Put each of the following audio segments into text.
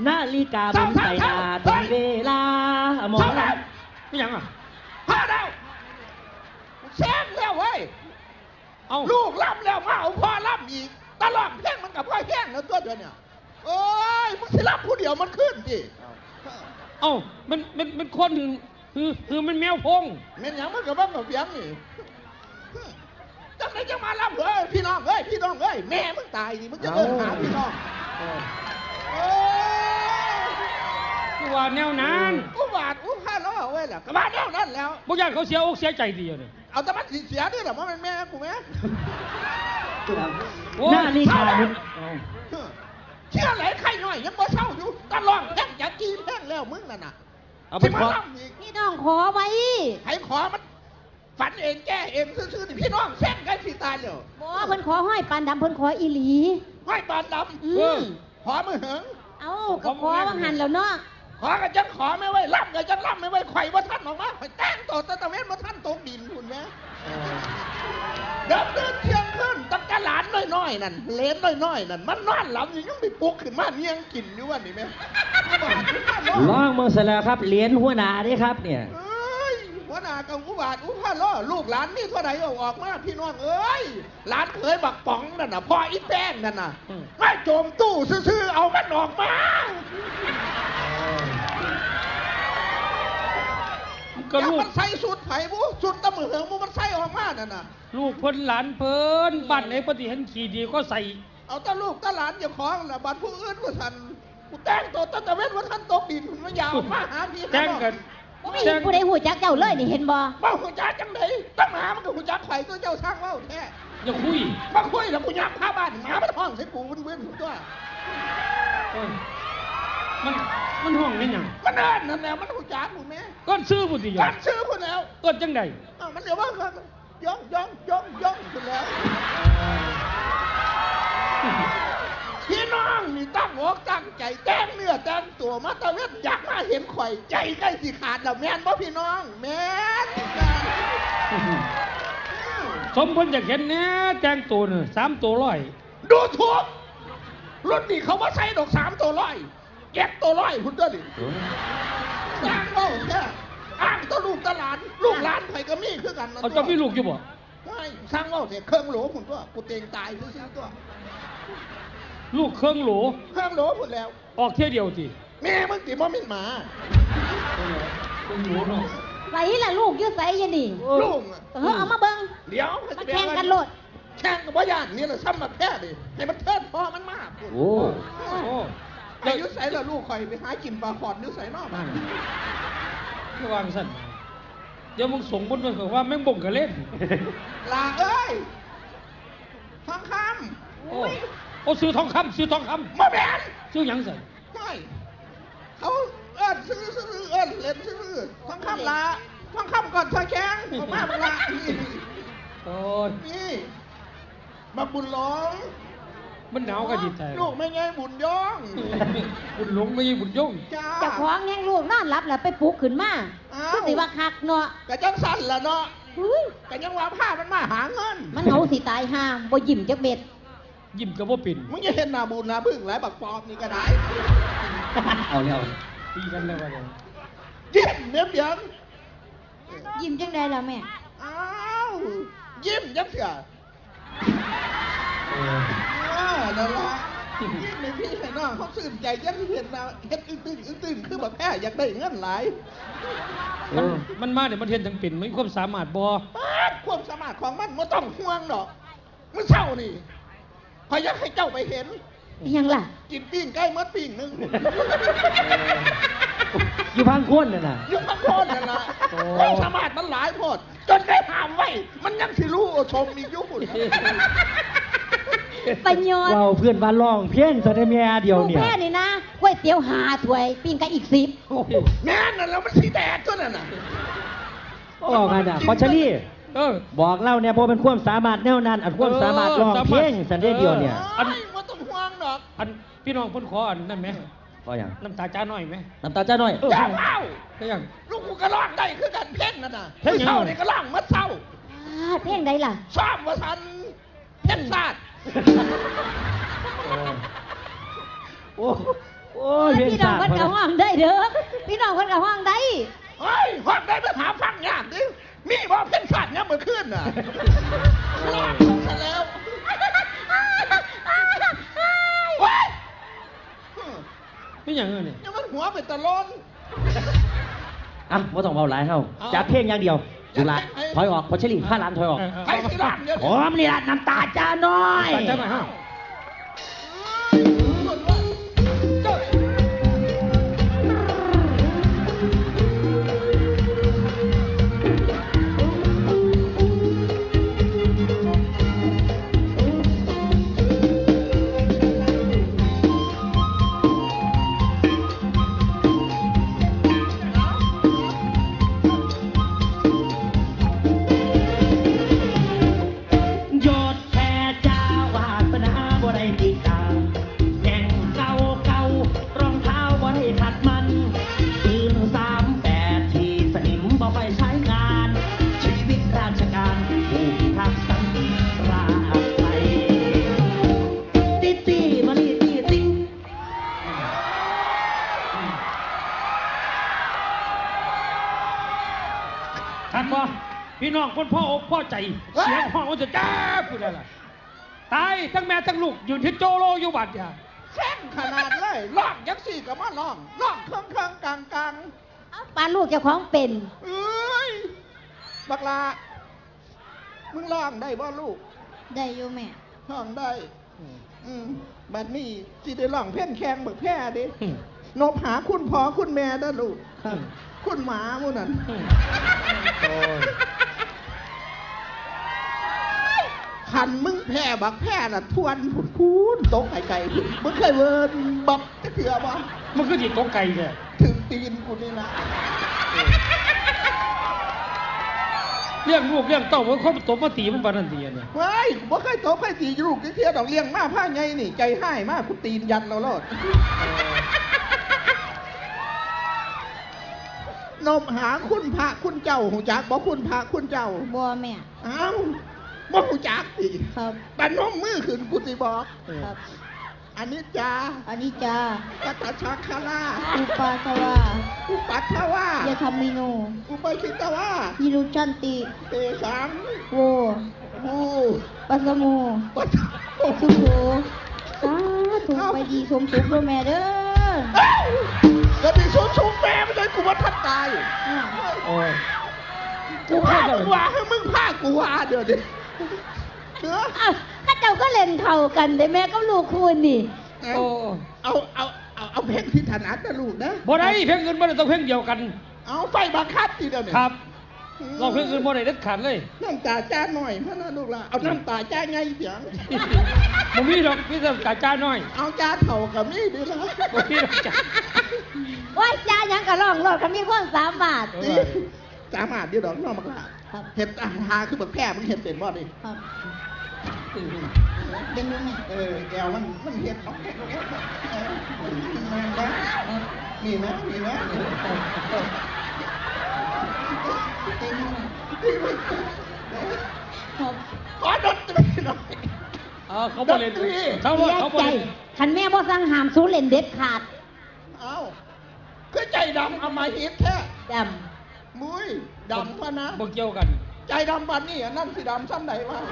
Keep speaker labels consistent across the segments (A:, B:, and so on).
A: นาฬิกาบนใส่ตาถึงเวลาหมอลำ
B: ไม่ยังอ่ะ
C: พาแล้วแซงแล้วเว้ย
B: เอา
C: ลูกล่ำแล้วมาเอาพ่อล่ำอีกตลอดแพ่งมันกับพ่อแห้งแล้วตัวเดียวเนี่ยโอ้ยมึงสิล่ำผู้เดียวมันขึ้นดิ
B: เอ้ามันคนคือมันแมวพง
C: เมียนยังมันกับบ้างกับเบียงนี่จังไหนจะมาล่ำเฮ้ยพี่น้องเฮ้ยพี่น้องเฮ้ยแม่มึงตายดิมึงจะเดินหาพี่น้อง
B: กูว่าแนวนั้น
C: อุบาทอุพาล้อเว้ยแหละกระบาดแนวนั้นแล้ว
B: บางอย่างเขาเสียอกเสียใจดีเนี่ย
C: เอาแต่มันเสียด้วยหรอมันเป็นแม่กูไหม
A: นาฬิกา
C: เชื่อไหลใครหน่อยยังบ่เศร้าอยู่ตลอดแพ่งอยากกินแพ่งแล้วมึงน่ะ
A: เอาไปขอ
D: พี่น้องขอไว้
C: ให้ขอมันฝันเองแก้เองซื่อๆพี่น้องแช่งกันสิตายเลย
D: บ่เพิ่นขอห้อยปานดำเพิ่นขออีหลี
C: ห้อยปานดำขอมือเหิง
D: เอาก็ขอว่าหันแล้วเนาะ
C: ขอกันจังขอไม่ไว้ล่ำกันจังล่ำไม่ไว้ไข่ว่าท่านออกมาไข่แต่งตัวตะเวนว่าท่านตกดินคุณแม่เดินเที่ยงขึ้นตั้งแต่หลานน้อยๆนั่นเลนน้อยๆนั่นมันนอนหลับอยู่ยังไปปลุกขึ้นมาเนียงกินอยู่วันนี้แม่
A: ล่องเมืองเสร็จแล้วครับเหรียญหัวหน้านี่ครับเนี่ย
C: หัวหน้ากับอุบาทอุพาล้อลูกหลานนี่เท่าไหร่ออกมาพี่น้องเอ้ยหลานเคยบักป๋องนั่นน่ะพ่ออีแป้งนั่นน่ะไม่โจมตู้ซื่อๆเอามันออกมาก็ลูกมันใส่สุดไผ่บุสุดตะมือเหิงมันใส่ออกมานั่นน่ะ
B: ลูกเพิ่นหลานเพิ่นบ้านไหนปฏิเห็นขี่ดีก็ใส่
C: เอาตะลูกตะหลานอย่าของน่ะบ้านผู้อื่นว่าท่านกูแต่งตัวตะเวนว่าท่านตกดินมันยาวมาหาพี่
B: แต่งกัน
D: ไม่มีผู้ใดหูจักเจ้าเลยนี่เห็นบ่
C: บ่หูจักจังไดตั้งหามันก็หูจักไข่ตัวเจ้าสร้างเว้าแท้
B: อย่าคุย
C: มาคุยแล้วกูยักพาบ้านหมามันห้องใส่กูเว้นตัว
B: มันห้องนี่หยัง
C: มันเอิ้นนั่นแหละมันหูจักกูแม่
B: ก้อนซื้อพุ่นสิ
C: ก้อนซื้อพุ่นแล้ว
B: เอิ้นจังได๋
C: มันเดี๋ยวว่าย่องพุ่นแล้วพี่น้องนี่ตั้งอกตั้งใจแต่งเนื้อแต่งตัวมาตะเวนอยากมาเห็นข่อยใจใกล้สิขาดแล้วแม่นบ่พี่น้องแม่น
B: สมเพิ่นอยากเห็นแน่แต่งตัวน่ะ3ตัว100
C: ดูถูกรุ่นนี้เขาบ่ใส่ดอก3ตัว100เก็บตัว100พุ่นเด้อนี่สร้างเว้าแท้อ้างตัวลูกตะหลานลูกหลานไผก็มีคือกัน
B: เอาจะมีลูกอยู่บ่
C: ไม่สร้างเว้าแท้เครื่องโหลพุ่นตัวกูเตงตายซื่อๆตัว
B: ลูกเครื่องโหล
C: พุ่นแล้ว
B: ออกเที่ยวเดียวสิ
C: แม่มึงติบ่มีหมา
B: เครื่องโหลเนาะ
D: ใส่ล่ะลูกอยู่ใส่ยันนี่
C: ลูก
D: เอามาเบิ่ง
C: เดี๋ยว
D: มาแข่งกันโลด
C: แข่งกับบ่ย่านนี่แหละซ้ำมาแพ้ดิให้มันเทิดพ่อมันมาก
A: โอ้
C: อายุใส่ละลูกข่อยไปหากินปลาขอดนิ้วใส่นอกมา
B: ระวังสั่นเดี๋ยวมึงส่งบนไปว่าแม่งบ่งกะเล่น
C: ลาเอ้ยทองค
B: ำโอ้ซื้อทองคำ
C: มาแบน
B: ซื้อหยังใส่
C: ไม่เขาซื้อเล่นซื้อทองคำละทองคำก่อนทองแข็งออกมาละ
B: โอ้ย
C: นี่มาบุญหลง
B: มันหนาวกันจิตใจ
C: ลูกไม่ไงบุญย่อง
B: บุญหลงไม่ใช่บุญย่อง
D: จะคล้องแง่งลูกนอนรับแล้วไปปลุกขึ้นมาคือสิว่าคักเนาะ
C: กะจังสั่นละเนาะกะยังว่าผ้ามันมาหาเงิน
D: มันเอาสิตายห่าบ่ยิ้มจักเม็ด
B: ยิ้มกับบ่ปิ่น
C: มึงจะเห็นหน้าบุญหน้าพึ่งหลายบักปอบนี่ก็ได้
A: เอาแล้ว
B: ตีกันแล้วว่า
C: ยิ้มเนียบยัง
D: ยิ้มจังได้ล่ะแม่
C: อ้าวยิ้มจังเสียนั่นละยิ้มในพี่ให้น้องเขาซื่นใจยังเห็นเราเฮ็ดอึ้งคือแบบแพ้อยากได้เงินหลาย
B: มันมาเดี๋ยวมันเห็นทั้งปิ่นมันความสามารถบ่
C: ความสามารถของมันไม่ต้องห่วงหรอกมันเศร้านี่พออยากให้เจ้าไปเห็น
D: ยังล่ะ
C: กินปิ้งใกล้มัดปิ้งนึง
A: อยู่พังโคนน่ะนะ
C: อยู่พังโคนน่ะนะความสามารถมันหลายโพดจนได้ห้ามไว้มันยังสิรู้ชมมียุบุญ
D: ปัญญา
A: เราเพื่อนบ้านร้องเพี้ยนสะเดเมียเดียวเนี่ย
D: แม่นี่นะก๋วยเตี๋ยว5 ถ้วยปิ้งไก่อีก10
C: แม่นั่นแล้วมันสีแดดตัวนั่นน่ะ
A: บอกกันอ่ะพอชลี่บอกเล่าเนี่ยพอเป็นความสามารถแนวนั้นอันความสามารถร้องเพี้ยนสะเดเดียวเนี่ย
C: อันว่าต้องห่วงดอก
B: อันพี่น้องพ้นขออันนั่นไหม
A: ก็อย่าง
B: น้ำตาจ้าหน่อยไหม
A: น้ำตาจ้าหน่อย
C: จ้าเอ้า
B: ก็อย่าง
C: ลูกกูก็ร้องได้คือกันเพ่งนั่นน่ะเพ่งเศร้าเนี่ยก็ร้องมัดเศร้า
D: เพ่งได้ล่ะ
C: ชอบว่าทันเพ่งซาด
A: โอ้โอ้ยเพลง
D: พี่น้อง
A: สาก
D: เพิ่นก็ห้องได้เด้อพี่น้องเพิ่นก็ห้องได้
C: เฮ้ยห้องได้ไปหาฟังยากดิมีว่าเพ่นสัตว์เนี่ยเมื่อคืนน่ะลากลงซะแล้วเฮ้ย
B: ไม่อย่างเงี้ยเนี่ย
C: ยังมันหัวเป็นตะลน
A: อ่ะบ่ต้องเบาหลายเฮาจับเพลงอย่างเดียวจุฬาถอยออกพอเชลี่5 ล้านถอยออก
C: ไอ้สิล้านเดียว
A: ผมนี่ล่ะน้ำตาจ้าน้อย
B: ตัดใจหน่อยฮะ
A: ยอดแพ้จ้าวาสนาบ่ได้ติดตามแข่งเก่าเก่ารองเท้าบ่ได้ขัดมันปืน38ที่สนิมบ่ไปใช้งาน ชีวิตราชการผู้พิทักษ์สันติราษฎร์ไทยติตีมาลีตีติ
B: ทันบ่พี่น้องคนพ่ออกพ่อใจ เสียงห้องมันจะจ้าพูดอะไรตายทั้งแม่ทั้งลูกอยู่ที่โจโลอยู่บัดเนี่ย
C: แข้งขนาดเลยล่องยังสี่กับมาล่องเครื่องกลาง
D: เอาปานลูกเจ้าของเป็น
C: เอ้ยบักลามึงล่องได้บ่ลูก
D: ได้อยู่แม่
C: ล่องได้บัดนี้สิได้ล่องเพ่นแข้งบักแพ้ดินบหาคุณพ่อคุณแม่ได้อลูกคุณหมาหมู่นั่น คันมึงแพ้บักแพ้น่ะทวนผุดคูนตกไก่ผุดมึงเคยเวิร์นบักจะเถื่อบ่
B: มันคือจิตตกไก่เนี่ย
C: ถึงตีนกูนี่นะ
B: เรื่องลูกเรื่องเต้ามันคนตบมาตีมันปานนันตีเนี่ย
C: เฮ้ยบ่เคยตกเคยตีลูกเที่ยวดอกเลี้ยงมาผ้าไงนี่ใจให้มากกูตีนยันเราโลดนมหาคุณพระคุณเจ้าหูจักบ่คุณพระคุณเจ้า
D: บัวแม่
C: อ้าวบ่หูจักสิ
D: ครับ
C: แต่นมมือขึ้นกูสิบอก
D: ครับ
C: อันนี้จา
D: อันนี้จ้า
C: กัตชักคารา
D: อุปาสวา
C: อุปัตถวา
D: ยาธรรมิโน
C: อุปคิตวา
D: ยิรุชันติ
C: เตสัง
D: โว
C: อู
D: ปัสโม
C: ปัต
D: สุโขสาธุไปดีสมสุขด้วยแม่เด้อ
C: ก็มีสูงสูงแม่ไม่ได้กูว่าทัดตาย
B: โอ้ย
C: กูพามึงว่าให้มึงพากูว่าเดี๋ยวดิเนื้อ
D: อ้าวข้าเจ้าก็เล่นเข่ากันแต่แม่ก็ลูกคุณนี่
B: โอ้
C: เอาเพลงที่ถนัดนะลูกนะ
B: บ่ได้เพลงอื่นบ่ได้ต้องเพลงเดียวกัน
C: เอาไฟบังคับทีเดียวเนี่ย
B: ครับลองเพลงอื่นบ่ได้เด็ดขาดเลย
C: น้ำตาจ้าหน่อยพะนะลูกละเอาน้ำตาจ้าไงเสียง
B: บ่มีดอกมีแต่กาจ้าน้อย
C: เอาจ้าเถ่ากับนี่ดีละ
B: บ่มีดอกจ้า
D: ว่าจ้ายังกะร้องรอดเขามีความสามารถ
B: เออ
C: สามารถเดียวดอกน้องมักละ
D: ครับ
C: เห็ดอาหารคือแบบแพร่มึงเห็ดเป็นบ่ดิ
D: ครับเป็นยังไง
C: แกวมันเห็ดของแกมีไหมมีไหม
D: เป็นยังไงครับ
C: ขอดนตรีหน่อย
B: เขาบ่เล่น
C: ดนตรี
B: เขาบ่
D: เสีย
B: เขาบ่
D: ใจ
B: เล่น
D: คันแม่บ่สั่งหามสู้เล่นเด็ดขาด
C: เอาคือใจดำเอามาฮิตแท้
D: ด
C: มุ้ยดำพะนะ
B: บ่เกี่ยวกัน
C: ใจดำบันนี่อันนั่นสิดำซ้ำไหนวะ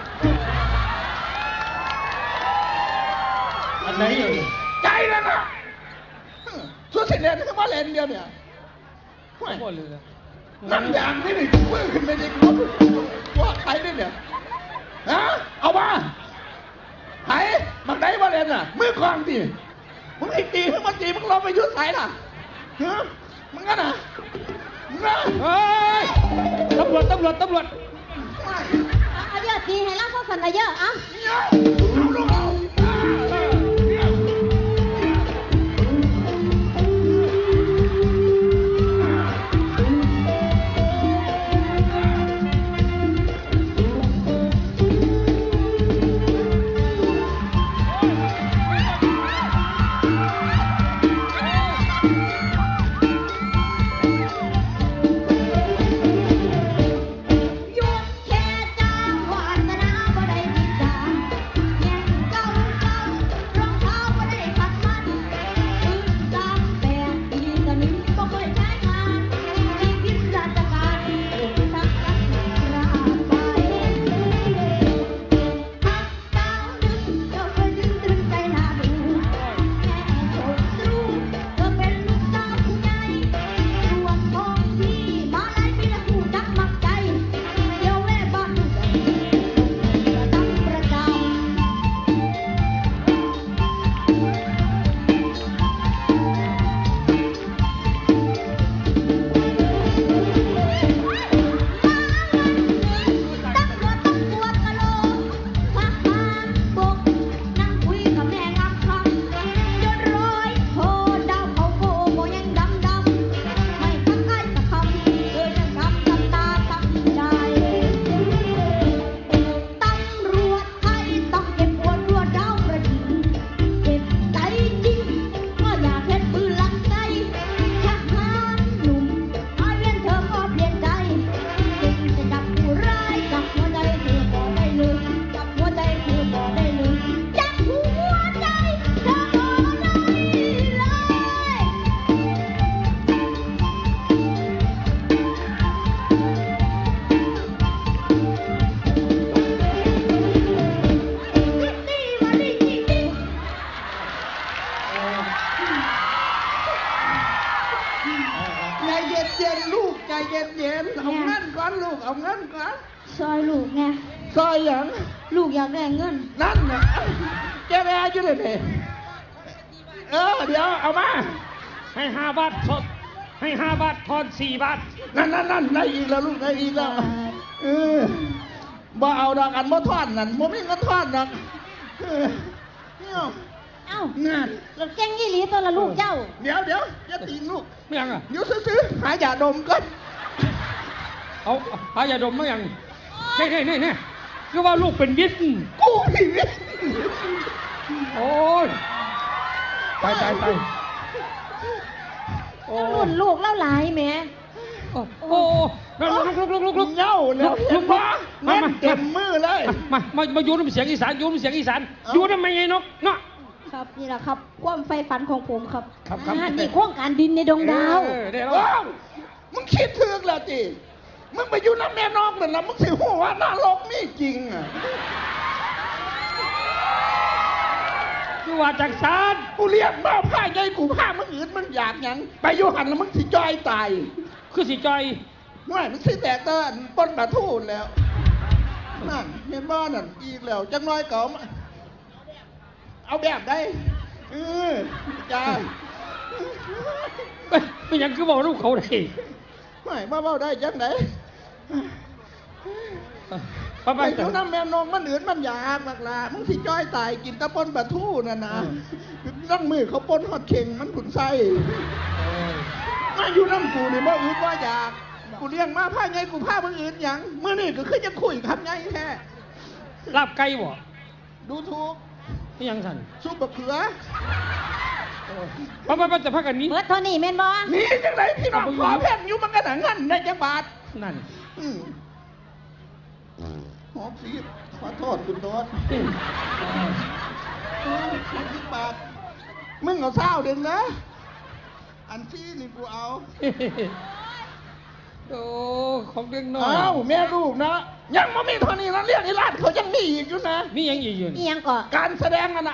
B: อันไหนอยู่นี่
C: ใจนั่นน่ะสุดสิเลนคือมาเลนเดียวเนี่ย
B: เขาบ่เล่นเลย
C: นั่งอย่างนี่นี่มือขึ้นไปดิว่าใครเนี่ยเนี่ยฮะเอามาไผ่มันได้มาเลนอ่ะมือกองดิมึงไอ้ตีมึงมาตีมึงลองไปยุดใส่ล่ะฮะมึงกันอ่ะมึงนะ
B: เฮ้ยตำรวจ
D: ำเอาเยอะทีให้เราพวกสันเอาเยอะอ่ะ
C: เนี่ยเอาลูกเอาเนี่ย
D: หยุดแค่จ้างวาสนาบ่ได้ติดตามแย่งเก่า
C: ใจเย็นๆลูกใจเย็นๆเอาเงินก่อนลูกเอาเงินก่อน
D: ซอยลูกไง
C: ซอยหยัง
D: ลูกอยากได้เงิน
C: นั่นน่ะแกแม่อยู่เลยนี่เดี๋ยวเอามา
B: ให้5 บาทสดให้5 บาททอน4 บาท
C: นั่นได้อีกแล้วลูกได้อีกแล้วบ่เอาดอกอันบ่ทอดนั่นบ่มีเงินทอดดอกเนี่ย
D: เอ้า
C: นั่น
D: เราแจ้งยี่หลีตัวละลูกเจ้า
C: เดี๋ยวอย่าตีลูก
B: ไม่ยังอ่ะ
C: อยู่ซื้อๆหายาดมก่อน
B: เอาหายาดมไม่ยังนี่คือว่าลูกเป็นวิทย์
C: กูผีวิ
B: โอ้ยไปโอ้
D: รุ่นลูกเล่าหลายแหม่
B: โอ้ลุก
C: เหย้าแล้วเห็นปะเงินเต็มมือเลย
B: มาโยนน้ำเสียงอีสานโยนน้ำเสียงอีสานโยนทำไมไงนกเนาะ
D: ครับนี่แหละครับความใฝ่ฝันของผมครับ
B: ครับ
D: นี่โครงการดินในดวงดาว
B: ได้แล้ว
C: ว้าวมึงคิดถึงแล้วจิมึงไปอยู่น้ำแม่นอกนั่นนะมึงสิหัวว่านรกมีจริงอ่ะ
B: คือว่าจากสาร
C: กูเรียกมาผ้าใหญ่กูผ้ามึงอื่นมันอยากหยังไปอยู่หันแล้วมึงสิจอยตาย
B: คือสิจอย
C: ไม่มึงสิแตกเต้นป้นบาทูนแล้วนั่นเห็นบ้านนั่นอีกแล้วจังน้อยเก๋ามาเอาแบบได้จ้า
B: ไม่ยังคือบอกลูกเขาเลย
C: ไม่มาเบ้าได้จังไหน
B: ไป
C: ไปอยู่น้ำแม่นองมันอื่นมันอยากมากละมึงสิจ้อยตายกินแตะปนบะทู่น่ะนะนั่งมือเขาปนฮอดเข่งมันขุนไส้มาอยู่น้ำกูนี่บ่อื่นว่าอยากกูเลี้ยงมาผ้าไงกูผ้ามึงอื่นหยังเมื่อนี่ก็คือจะคุยคำไงแท้
B: ลาบไก่บ่
C: ดูถูก
B: ไม่ยังสัน
C: ซุปบะเขือ
B: ไปจะพักกันนี้
D: เบิดเท่านี้แม่นบ่
C: นี่จังไรพี่น้องขอแพงอยู่มันกันหนังงั้นในจังบาท
B: นั่น
C: หอมสีขอโทษคุณโน้ต30 บาทมึงเอาเศร้าเดึงนะ อันที่นี่กูเอา
B: โอ้ของเด็กน้อย
C: อ้าวแม่ลูกนะ ยังไม่มีเท่านี้นะเรียกไอ้ลาดเขายังมีอีกอยู่นะ
B: นี่ยังอีกอยู่
D: อีหยังก่อ
C: การแสดงนั่นนะ